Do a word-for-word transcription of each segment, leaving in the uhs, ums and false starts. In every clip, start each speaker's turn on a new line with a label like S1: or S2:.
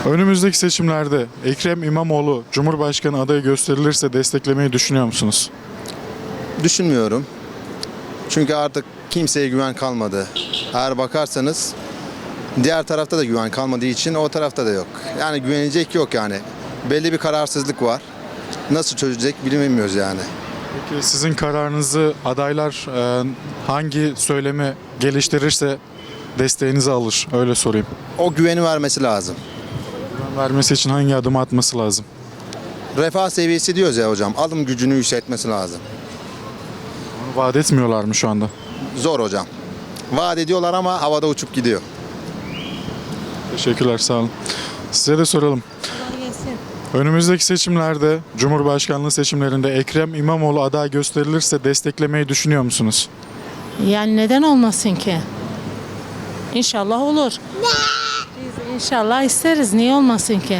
S1: Önümüzdeki seçimlerde Ekrem İmamoğlu Cumhurbaşkanı adayı gösterilirse desteklemeyi düşünüyor musunuz?
S2: Düşünmüyorum. Çünkü artık kimseye güven kalmadı. Eğer bakarsanız diğer tarafta da güven kalmadığı için o tarafta da yok. Yani güvenecek yok yani. Belli bir kararsızlık var. Nasıl çözecek bilmiyoruz yani.
S1: Peki sizin kararınızı adaylar e, hangi söylemi geliştirirse desteğinizi alır? Öyle sorayım.
S2: O güveni vermesi lazım.
S1: Güven vermesi için hangi adımı atması lazım?
S2: Refah seviyesi diyoruz ya hocam. Alım gücünü yükseltmesi lazım.
S1: Onu vaat etmiyorlar mı şu anda?
S2: Zor hocam. Vaat ediyorlar ama havada uçup gidiyor.
S1: Teşekkürler, sağ olun. Size de soralım. Önümüzdeki seçimlerde, Cumhurbaşkanlığı seçimlerinde Ekrem İmamoğlu aday gösterilirse desteklemeyi düşünüyor musunuz?
S3: Yani neden olmasın ki? İnşallah olur. Biz inşallah isteriz. Niye olmasın ki?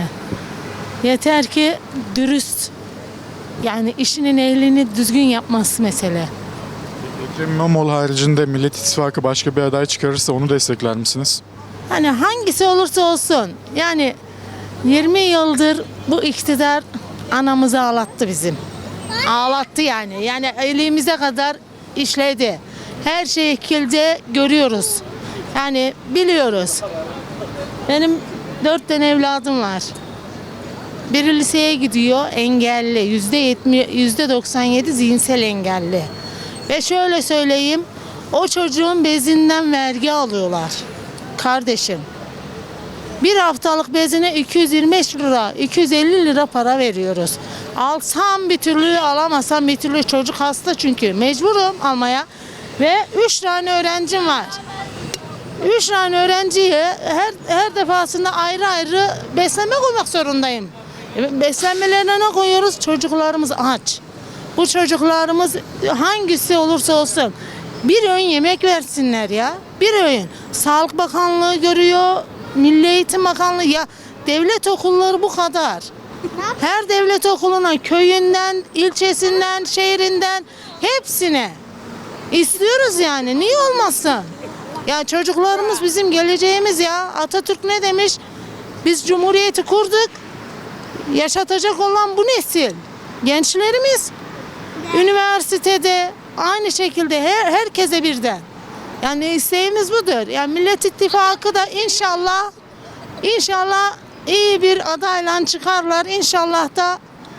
S3: Yeter ki dürüst, yani işinin ehlini düzgün yapması mesele.
S1: Ekrem İmamoğlu haricinde Millet İttifakı başka bir aday çıkarırsa onu destekler misiniz?
S3: Hani hangisi olursa olsun. Yani yirmi yıldır bu iktidar anamızı ağlattı bizim. Ağlattı yani. Yani elimize kadar işledi. Her şekilde görüyoruz. Yani biliyoruz. Benim dört tane evladım var. Biri liseye gidiyor, engelli. Yüzde yetmiş, yüzde doksan yedi zihinsel engelli. Ve şöyle söyleyeyim, o çocuğun bezinden vergi alıyorlar. Kardeşim. Bir haftalık bezine iki yüz yirmi beş lira, iki yüz elli lira para veriyoruz. Alsam bir türlü, alamazsam bir türlü, çocuk hasta çünkü. Mecburum almaya. Ve üç tane öğrencim var. Üç tane öğrenciye her, her defasında ayrı ayrı beslenme koymak zorundayım. E, Beslenmelerine ne koyuyoruz? Çocuklarımız aç. Bu çocuklarımız hangisi olursa olsun bir öğün yemek versinler ya. Bir öğün. Sağlık Bakanlığı görüyor, Milli Eğitim Bakanlığı, ya devlet okulları bu kadar. Her devlet okuluna köyünden, ilçesinden, şehrinden hepsine istiyoruz yani. Niye olmasın? Ya çocuklarımız bizim geleceğimiz ya. Atatürk ne demiş? Biz cumhuriyeti kurduk. Yaşatacak olan bu nesil. Gençlerimiz üniversitede aynı şekilde her, herkese birden. Yani isteğimiz budur. Yani Millet İttifakı da inşallah inşallah iyi bir adayla çıkarlar. İnşallah da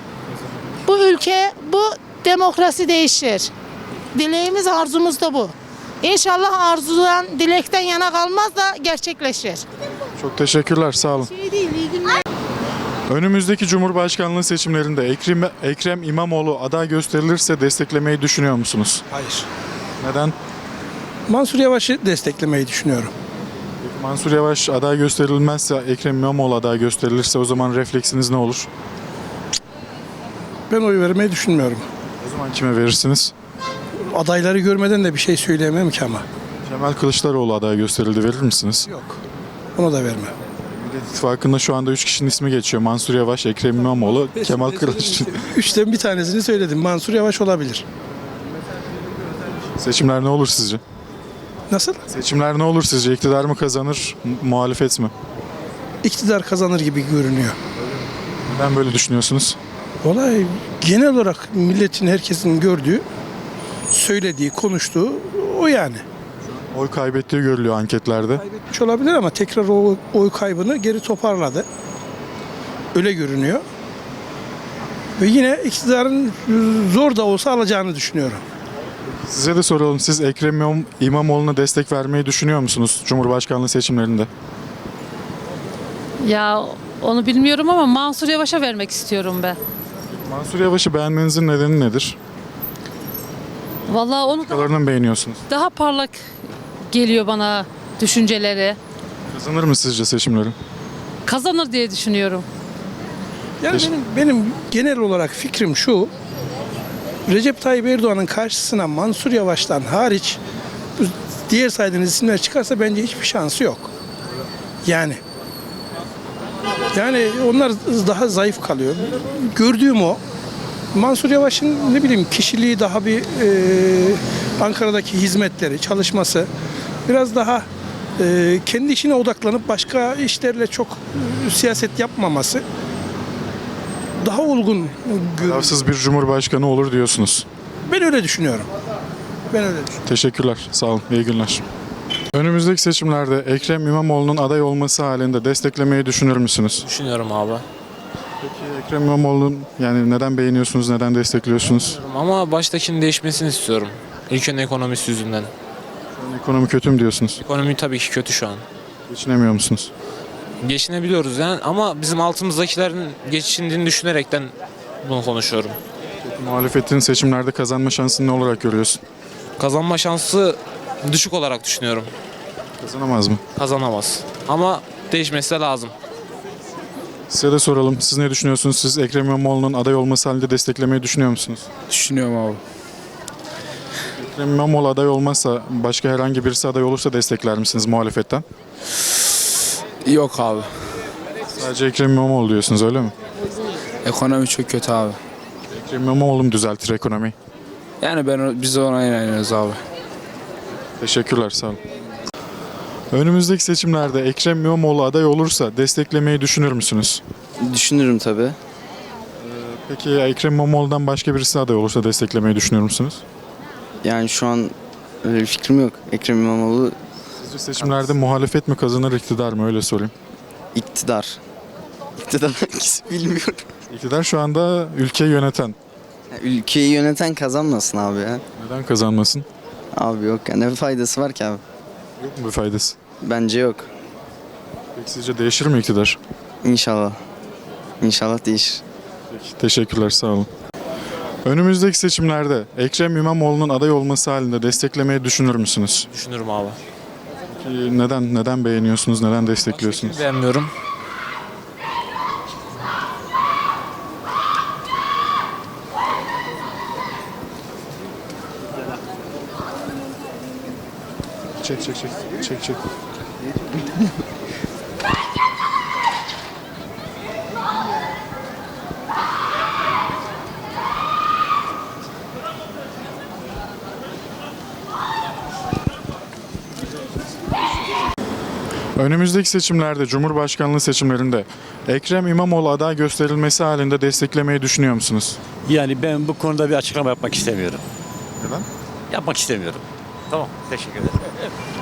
S3: bu ülke, bu demokrasi değişir. Dileğimiz, arzumuz da bu. İnşallah arzudan, dilekten yana kalmaz da gerçekleşir.
S1: Çok teşekkürler, sağ olun.
S3: Şey değil, iyi günler.
S1: Önümüzdeki Cumhurbaşkanlığı seçimlerinde Ekrem, Ekrem İmamoğlu aday gösterilirse desteklemeyi düşünüyor musunuz?
S4: Hayır.
S1: Neden?
S4: Mansur Yavaş'ı desteklemeyi düşünüyorum.
S1: Mansur Yavaş aday gösterilmezse, Ekrem İmamoğlu aday gösterilirse o zaman refleksiniz ne olur?
S4: Ben oy vermeyi düşünmüyorum.
S1: O zaman kime verirsiniz?
S4: Adayları görmeden de bir şey söyleyemem ki ama.
S1: Kemal Kılıçdaroğlu aday gösterildi, verir misiniz?
S4: Yok. Onu da vermem.
S1: Millet İttifakı'nda şu anda üç kişinin ismi geçiyor. Mansur Yavaş, Ekrem İmamoğlu, Kemal Kılıçdaroğlu.
S4: Üçten bir tanesini söyledim. Mansur Yavaş olabilir.
S1: Seçimler ne olur sizce?
S4: Nasıl?
S1: Seçimler ne olur sizce? İktidar mı kazanır, mu- muhalefet mi?
S4: İktidar kazanır gibi görünüyor.
S1: Neden böyle düşünüyorsunuz?
S4: Olay genel olarak milletin, herkesin gördüğü, söylediği, konuştuğu o yani.
S1: Oy kaybettiği görülüyor anketlerde.
S4: Kaybetmiş olabilir ama tekrar o oy kaybını geri toparladı. Öyle görünüyor. Ve yine iktidarın zor da olsa alacağını düşünüyorum.
S1: Size de soralım. Siz Ekrem İmam- İmamoğlu'na destek vermeyi düşünüyor musunuz Cumhurbaşkanlığı seçimlerinde?
S5: Ya onu bilmiyorum ama Mansur Yavaş'a vermek istiyorum ben.
S1: Mansur Yavaş'ı beğenmenizin nedeni nedir?
S5: Vallahi onu da
S1: Kalarını beğeniyorsunuz.
S5: daha parlak geliyor bana düşünceleri.
S1: Kazanır mı sizce seçimleri?
S5: Kazanır diye düşünüyorum.
S4: Yani
S1: Teşekkür-
S4: benim, benim genel olarak fikrim şu. Recep Tayyip Erdoğan'ın karşısına Mansur Yavaş'tan hariç bu diğer saydığınız isimler çıkarsa bence hiçbir şansı yok. Yani yani onlar daha zayıf kalıyor. Gördüğüm o. Mansur Yavaş'ın ne bileyim kişiliği daha bir e, Ankara'daki hizmetleri, çalışması biraz daha e, kendi işine odaklanıp başka işlerle çok e, siyaset yapmaması daha olgun görünüyor.
S1: Tarafsız bir cumhurbaşkanı olur diyorsunuz.
S4: Ben öyle düşünüyorum. Ben öyle düşünüyorum.
S1: Teşekkürler. Sağ olun. İyi günler. Önümüzdeki seçimlerde Ekrem İmamoğlu'nun aday olması halinde desteklemeyi düşünür müsünüz?
S6: Düşünüyorum abi.
S1: Peki Ekrem İmamoğlu'nun yani neden beğeniyorsunuz, neden destekliyorsunuz?
S6: Ama baştakinin değişmesini istiyorum. Ülkenin ekonomisi yüzünden.
S1: Ekonomi kötü mü diyorsunuz?
S6: Ekonomi tabii ki kötü şu an.
S1: Geçinemiyor musunuz?
S6: Geçinebiliyoruz yani ama bizim altımızdakilerin geçindiğini düşünerekten bunu konuşuyorum.
S1: Muhalefetin seçimlerde kazanma şansını ne olarak görüyorsun?
S6: Kazanma şansı düşük olarak düşünüyorum.
S1: Kazanamaz mı?
S6: Kazanamaz. Ama değişmesi de lazım.
S1: Size de soralım. Siz ne düşünüyorsunuz? Siz Ekrem İmamoğlu'nun aday olması halinde desteklemeyi düşünüyor musunuz?
S7: Düşünüyorum abi.
S1: Ekrem İmamoğlu aday olmazsa başka herhangi birisi aday olursa destekler misiniz muhalefetten?
S7: Yok abi.
S1: Sadece Ekrem İmamoğlu diyorsunuz öyle mi?
S7: Ekonomi çok kötü abi.
S1: Ekrem İmamoğlu mu düzeltir ekonomiyi?
S7: Yani ben biz ona inanıyoruz abi.
S1: Teşekkürler, sağ olun. Önümüzdeki seçimlerde Ekrem İmamoğlu aday olursa desteklemeyi düşünür müsünüz?
S8: Düşünürüm tabii.
S1: Peki Ekrem İmamoğlu'dan başka birisi aday olursa desteklemeyi düşünür müsünüz?
S8: Yani şu an öyle bir fikrim yok. Ekrem İmamoğlu
S1: Sizce seçimlerde muhalefet mi kazanır, iktidar mı? Öyle sorayım.
S8: iktidar. İktidar hangisi bilmiyorum.
S1: İktidar şu anda ülkeyi yöneten.
S8: Ya ülkeyi yöneten kazanmasın abi ya.
S1: Neden kazanmasın?
S8: Abi yok ya, ne faydası var ki abi?
S1: Yok mu bir faydası?
S8: Bence yok.
S1: Peki sizce değişir mi iktidar?
S8: İnşallah. İnşallah değişir.
S1: Peki, teşekkürler, sağ olun. Önümüzdeki seçimlerde Ekrem İmamoğlu'nun aday olması halinde desteklemeyi düşünür müsünüz?
S6: Düşünürüm abi.
S1: Peki neden neden beğeniyorsunuz, neden destekliyorsunuz?
S6: Beğenmiyorum.
S1: Çek çek çek. Çek çek. Önümüzdeki seçimlerde, Cumhurbaşkanlığı seçimlerinde Ekrem İmamoğlu aday gösterilmesi halinde desteklemeyi düşünüyor musunuz?
S9: Yani ben bu konuda bir açıklama yapmak istemiyorum.
S1: Neden?
S9: Yapmak istemiyorum. Tamam, teşekkür ederim.